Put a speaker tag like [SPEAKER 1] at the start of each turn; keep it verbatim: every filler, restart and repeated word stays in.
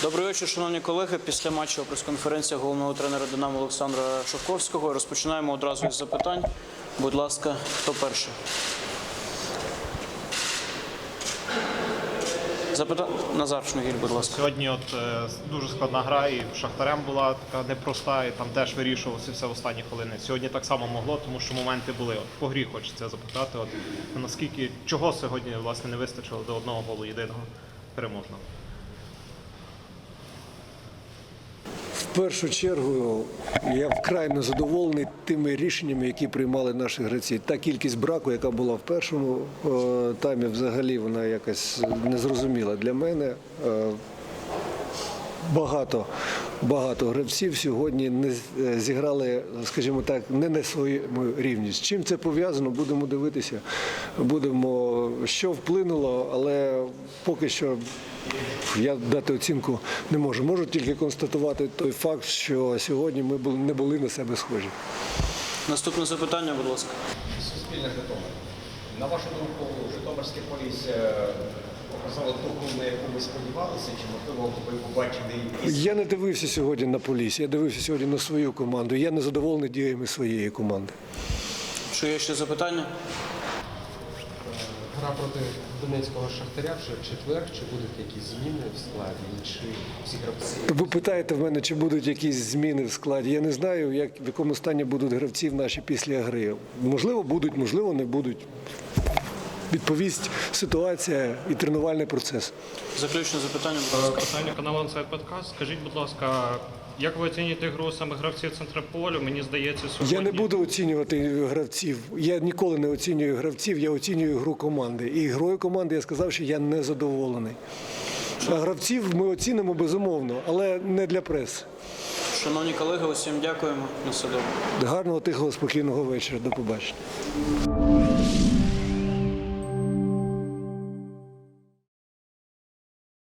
[SPEAKER 1] Добрий вечір, шановні колеги. Після матчу прес-конференція головного тренера «Динамо» Олександра Шовковського. Розпочинаємо одразу із запитань. Будь ласка, хто перший? Запитання Назар Шмигіль, будь ласка.
[SPEAKER 2] Сьогодні от е, дуже складна гра, і Шахтарем була така непроста, і там теж вирішувалося все в останні хвилини. Сьогодні так само могло, тому що моменти були. От, по грі хочеться запитати, от, наскільки, чого сьогодні власне не вистачило до одного голу єдиного переможного?
[SPEAKER 3] В першу чергу я вкрай незадоволений тими рішеннями, які приймали наші гравці. Та кількість браку, яка була в першому е, таймі, взагалі вона якась незрозуміла для мене. Е, Багато, багато гравців сьогодні не зіграли, скажімо так, не на своєму рівні. З чим це пов'язано, будемо дивитися, будемо, що вплинуло, але поки що я дати оцінку не можу. Можу тільки констатувати той факт, що сьогодні ми не були на себе схожі.
[SPEAKER 1] Наступне запитання, будь ласка.
[SPEAKER 4] Суспільне Житомир. На вашу думку, Житомирське Полісся показало ту гру, на яку ви сподівалися, чи, можливо, ви побачили якісь...
[SPEAKER 3] Я не дивився сьогодні на Полісся, я дивився сьогодні на свою команду. Я не задоволений діями своєї команди.
[SPEAKER 1] Чи є ще запитання?
[SPEAKER 5] Гра проти Донецького Шахтаря вже в четвер. Чи будуть якісь зміни в складі? Чи всі гравці?
[SPEAKER 3] Ви питаєте в мене, чи будуть якісь зміни в складі. Я не знаю, як, в якому стані будуть гравці наші після гри. Можливо, будуть, можливо, не будуть. Відповість ситуація і тренувальний процес.
[SPEAKER 1] Заключне запитання, будь ласка.
[SPEAKER 6] Питання каналу «Інсайд Подкаст». Скажіть, будь ласка, як ви оцінюєте гру саме гравців центра полю? Мені здається, сьогодні...
[SPEAKER 3] Я не буду оцінювати гравців. Я ніколи не оцінюю гравців, я оцінюю гру команди. І грою команди я сказав, що я не задоволений. А гравців ми оцінимо безумовно, але не для преси.
[SPEAKER 1] Шановні колеги, усім дякуємо. На все добре.
[SPEAKER 3] Гарного, тихого, спокійного вечора. До побачення.